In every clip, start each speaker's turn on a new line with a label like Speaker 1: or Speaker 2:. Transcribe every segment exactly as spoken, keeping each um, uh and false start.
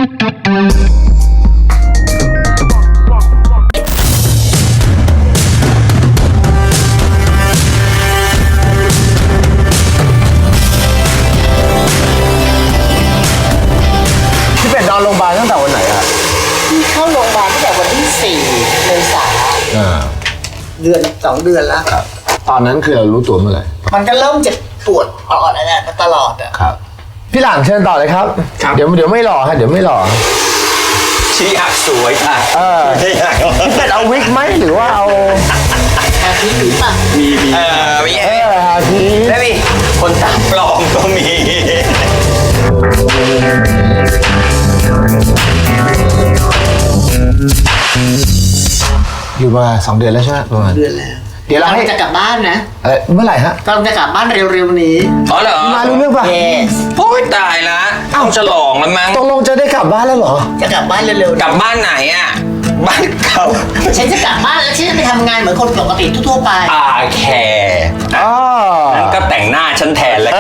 Speaker 1: พี่เป็ดนอนโรงพยาบาลตั้งแต่วันไหนอะ
Speaker 2: พี่เข้าโรงพยาบาลตั้งแต่วันที่สี่เมษายนเดือนสองเดือนแล้วครับ
Speaker 1: ตอนนั้นคือเรารู้ตัวเมื่อไหร่
Speaker 2: มันก็เริ่มจะปวดปอดอะไรมาตลอดอ่ะ
Speaker 1: ครับพี่หลังเชิญต่อเลยครับเดี๋ยวเดี๋ยวไม่หล่อฮะเดี๋ยวไม่หล่อ
Speaker 3: ชี้หักสวยค่ะ
Speaker 1: เออพี่เป็ดเอาวิกไหมหรือว่าเอา
Speaker 2: ฮาพีมีป่ะ
Speaker 3: มีมีเออมี
Speaker 1: เออฮาพี
Speaker 3: แล้วมีคนตาปลอมก็มี
Speaker 1: อยู่มาสองเดือนแล้วใช่ไหมประมาณ
Speaker 2: เดือนแล้ว
Speaker 1: เดี๋ยวเราให้
Speaker 2: จะกลับบ้านนะ
Speaker 1: เออเมื่อไหร่ฮะ
Speaker 2: กำลังจะกลับบ้านเร็วๆนี้
Speaker 3: อ๋อเหรอ
Speaker 1: มารู้เรื่องป่ะ
Speaker 2: yes
Speaker 3: โอ้ยตายละต้องฉลองแล้วมั้ง
Speaker 1: ตกลงจะได้กลับบ้านแล้วเหรอ
Speaker 2: จะกลับบ้านเร็ว
Speaker 3: ๆกลับบ้านไหนอ่ะบ้านเก่า
Speaker 2: ฉันจะกลับบ้านแล้วฉันจะไปทำงานเหมือนคนปกติทั่วๆไป
Speaker 3: อ่าแคร์
Speaker 1: อ๋อ
Speaker 3: งั้นก็แต่งหน้าฉันแทนเลย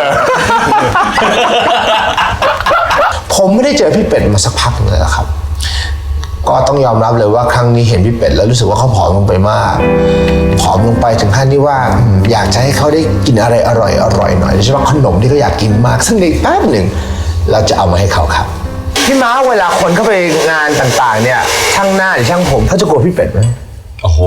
Speaker 1: ผมไม่ได้เจอพี่เป็ดมาสักพักเลยครับก็ต้องยอมรับเลยว่าครั้งนี้เห็นพี่เป็ดแล้วรู้สึกว่าเขาผอมลงไปมากผอมลงไปถึงขั้นที่ว่าอยากจะให้เขาได้กินอะไรอร่อยอร่อยหน่อยโดยเฉพาะขนมที่เขาอยากกินมากซึ่งในแป๊บหนึ่งเราจะเอามาให้เขาครับพี่ม้าเวลาคนเข้าไปงานต่างๆเนี่ยช่างหน้าหรือช่างผมเขาจะกลัวพี่เป็ดไหม
Speaker 3: โอ้โห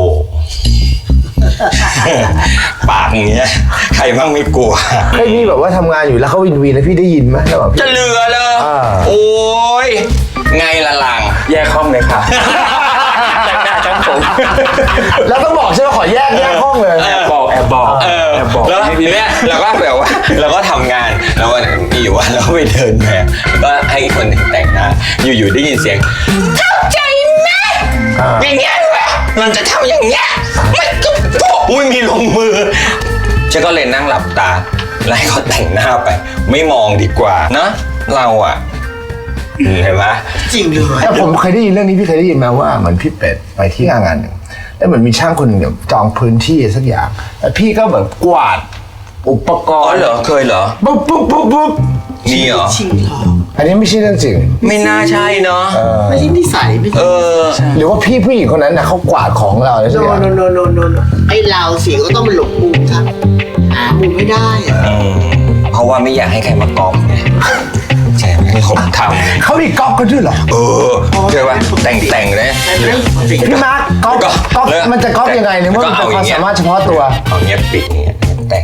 Speaker 3: ปากอย่างเงี้ยใครบ้างไม่กลัว
Speaker 1: เคยมีแบบว่าทำงานอยู่แล้วเขาวินวีแล้วพี่ได้ยินไหมแล้วแบบ
Speaker 3: จะเหลือเลยโอ้ยไงละลังแยกห้องเลยค่ะแต่งหน้าจังผม
Speaker 1: แล้วต้องบอกใช่ไหมขอแยกแยกห้องเลย
Speaker 3: แอบบอกแอบบอกเออแอบบอกแล้วทีเนี้ยเราก็แบบว่าเราก็ทำงานแล้ววันมีอยู่วันเราไปเดินแบบก็ให้คนหนึ่งแต่งหน้าอยู่ๆได้ยินเสียงเข้าใจไหมอย่างเงี้ยเลยมันจะทำอย่างเงี้ยไม่ก็อุ้ยมีลงมือฉันก็เลยนั่งหลับตาไล่เขาแต่งหน้าไปไม่มองดีกว่านะเราอะเห็นไหม
Speaker 2: จริงเลย
Speaker 1: แต่ผมเคยได้ยินเรื่องนี้พี่เคยได้ยินมาว่าเหมือนพี่เป็ดไปที่งานงานหนึ่งแล้วเหมือนมีช่างคนหนึ่งจองพื้นที่สักอย่างแล้วพี่ก็แบบกวาดอุปกรณ์
Speaker 3: อ๋อเหรอเคยเหรอ
Speaker 1: ปุ๊บปุ๊บปุ๊บปุ๊บ
Speaker 3: มีเหรอ
Speaker 2: จริงเหรอ
Speaker 1: อันนี้ไม่ใช่เรื่องจริง
Speaker 3: ไม่น่าใช่เนาะ
Speaker 2: ไม่ใช่นิสัยไม่ใช่
Speaker 1: หรือว่าพี่ผู้หญิงคนนั้นนะเขากวาดของเราแล้วใช่ไหม
Speaker 2: โนโนโนโนโนไอเราสิก็ต้องไปหลบมุมครับหามุมไม่ได้
Speaker 3: เพราะว่าไม่อยากให้ใครมากอบไงใช่ให้ผมทำ
Speaker 1: เขามีก๊อกกันด้วยเหรอ
Speaker 3: เออใช่ป่ะแต่งแต่งเลย
Speaker 1: พี่มาร์คก๊อกก๊อกมันจะก๊อกยังไงเนี่ยเมื่อมันเป็นความสามารถเฉพาะตัว
Speaker 3: เอาเงี้ยปิดเงี้ยแต่ง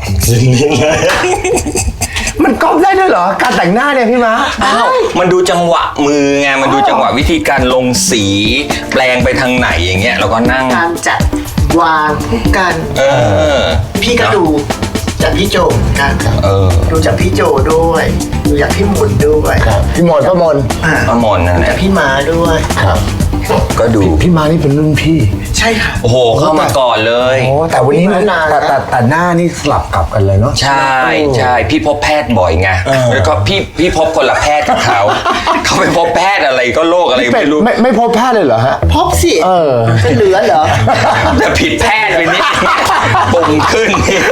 Speaker 1: มันก๊อกได้ด้วยเหรอการแต่งหน้าเนี่ยพี่มาร์ค
Speaker 3: อ้าวมันดูจังหวะมือไงมันดูจังหวะวิธีการลงสีแปลงไปทางไหนอย่างเงี้ยเราก็นั่ง
Speaker 2: การจัดวางทุกกัน
Speaker 3: เออ
Speaker 2: พี่ก็ดูจากพี่โจกันดูจากพี่โจด้วยดูจากพี่หมุนด้วย
Speaker 1: พี่หมอนป้ามน
Speaker 3: ป้ามนนั่นแหละ
Speaker 2: จากพี่ม้าด้วย
Speaker 1: ครับ
Speaker 3: ก็ดู
Speaker 1: พี่ม้านี่เป็นรุ่นพี่
Speaker 2: ใช่ค่ะ
Speaker 3: โอ้โหเข้ามาก่อนเลย
Speaker 1: โอ้แต่วันนี้แต่แต่แต่หน้านี่สลับกลับกันเลยเนาะ
Speaker 3: ใช่ใช่พี่พบแพทย์บ่อยไงแล้วก็พี่พี่พบคนละแพทย์กับเขาเขาไปพบแพทย์อะไรก็โรคอะไรไม่รู้
Speaker 1: ไม่ไม่พบแพทย์เลยเหรอฮะ
Speaker 2: พบสิเออเป็นเหลือเหรอ
Speaker 3: แต่ผิดแพทย์ไปนิดปุ่มขึ้น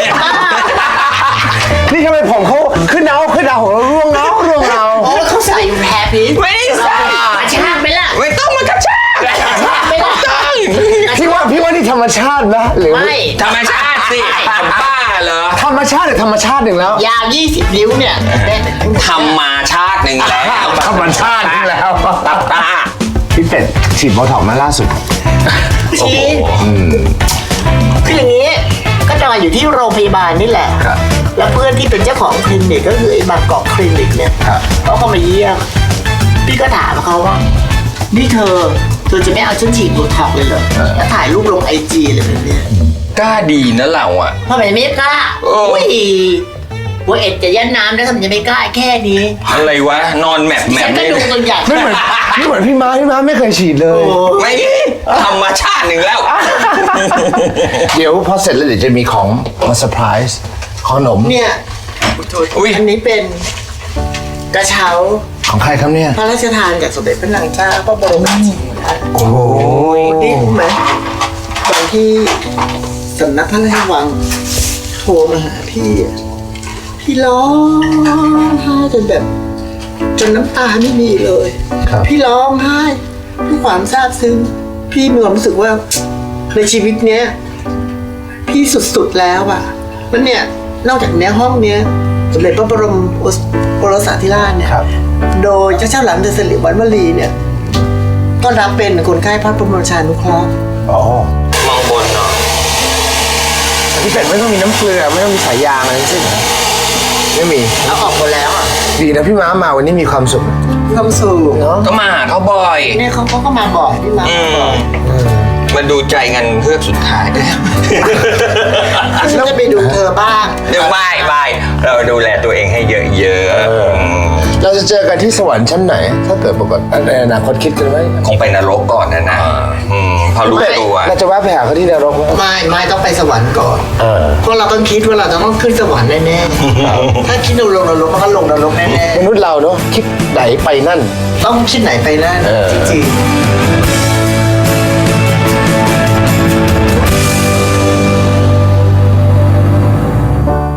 Speaker 1: นี่ทำไมผมเขาขึ้นเอาขึ้นเอาของเราร่วงเงาร่วงเงา
Speaker 2: โอ้เขาใส่แฮปปี้
Speaker 3: ไม่ได้ใส่
Speaker 2: กระชากไปละ
Speaker 3: ไม่ต้องมากระชาก
Speaker 2: กระชากไปละ
Speaker 1: พี่ว่าพี่ว่านี่ธรรมชาตินะหรือ
Speaker 2: ไม่
Speaker 3: ธรรมชาติสิบ้าเหรอ
Speaker 1: ธรรมชาติหรือธรรมชาติหนึ่งแล้ว
Speaker 2: ยาวยี่สิบนิ้วเนี่ย
Speaker 3: ธรรมชาติหนึ่งแล้ว
Speaker 1: ธรรมชาติหนึ่งแล้วพี่เป็ดฉีดโบท็อกซ์มาล่าสุด
Speaker 2: ฉีดคืออย่างนี้ก็นอนอยู่ที่โรงพยาบาลนี่แหละแล้วเพื่อนที่เป็นเจ้าของคลินิกก็คือไอ้บางกอกคลินิกเนี่ยเขาเข้ามาเยี่ยมพี่ก็ถามเขาว่านี่เธอเธอจะไม่เอาฉันฉีดโบท็อกซ์เลยเหรอแล้วถ่ายรูปลงไอจีอะไรแบบนี้
Speaker 3: กล้าดีนะเราอ่ะ
Speaker 2: ทำไมไม่กล้าอุ้ยว่าเอ็ดจะยันน้ำแล้วทำไมจะไม่กล้าแค่นี้
Speaker 3: อะไรวะนอนแมปแมป
Speaker 2: ไม่ดูตัวอย่าง
Speaker 1: ไม่เหมือนไม่เหมือนพี่ม้าพี่ม้าไม่เคยฉีดเลย
Speaker 3: ไม่ธรรมชาติหนึ่งแล้ว
Speaker 1: เดี๋ยวพอเสร็จแล้วเดี๋ยวจะมีของมาเซอร์ไพรส์ขนม
Speaker 2: เนี่ยอันนี้เป็นกระเช้า
Speaker 1: ของใครครับเนี่ย
Speaker 2: พระราชทานจากสมเด็จพระนางเจ้าพระบรมราชินีนาถ
Speaker 1: โอ้โห
Speaker 2: นี่รู้ไหมตอนที่สำนักพระราชวังโทรมาหาพี่พี่ร้องไห้จนแบบจนน้ำตาไม่มีเลย
Speaker 1: ครับ
Speaker 2: พี่ร้องไห้ด้วยความซาบซึ้งพี่มีความรู้สึกว่าในชีวิตเนี้ยพี่สุดๆแล้วอะมันเนี่ยนอกจากเนี้ยห้องเนี้ยสมเด็จพระบรมโอรสาธิราชเนี่ย
Speaker 1: ครับ
Speaker 2: โดยเจ้าเจ้าหลานเดชสิริวัณวลีเนี่ยก็รับเป็นคนไข้พระบรมราชานุเคราะห์
Speaker 1: อ๋อ
Speaker 3: มองบนเนาะ
Speaker 1: พี่เป็ดไม่ต้องมีน้ำเกลือไม่ต้องมีสายยางอะไรทั้งสิ้นไม่มี
Speaker 2: เอาออกหมดแล้วอ่ะ
Speaker 1: ดีนะพี่ม้ามาวันนี้มีความสุข
Speaker 2: มีความสุข
Speaker 1: เนาะ
Speaker 3: ก็มาหาเขาบ่อย
Speaker 2: เนี่ยเขาเขาก็มาบอกพี่มา
Speaker 3: อื
Speaker 2: มาบอก
Speaker 3: มมาดูใจกันเพื่อสุดท้าย
Speaker 2: ฉันจะไปดูเธอบ้าง
Speaker 3: เดี๋ยวไม่ไม่เราดูแลตัวเองให้เยอะๆม
Speaker 1: เราจะเจอกันที่สวรรค์ชั้นไหน ถ้าเกิดปกติในอนาคตคิดกันไว้
Speaker 3: คงไปนรกก่อนนะนะอืมพอรู้ตัว
Speaker 1: เราจะแวะไปหาเขาที่นรกไหม
Speaker 2: ไม่ไม่ต้องไปสวรรค์ก่อน
Speaker 1: เออ
Speaker 2: เพราะเราต้องคิดว่าเราจะต้องขึ้นสวรรค์แน่ๆถ้าคิดลงนรกมันก็ลงนรกแน่
Speaker 1: มนุษย์เราเนาะคิดไหนไปนั่น
Speaker 2: ๆต้องคิดไหนไปนั่น
Speaker 1: เออ
Speaker 2: จริงๆ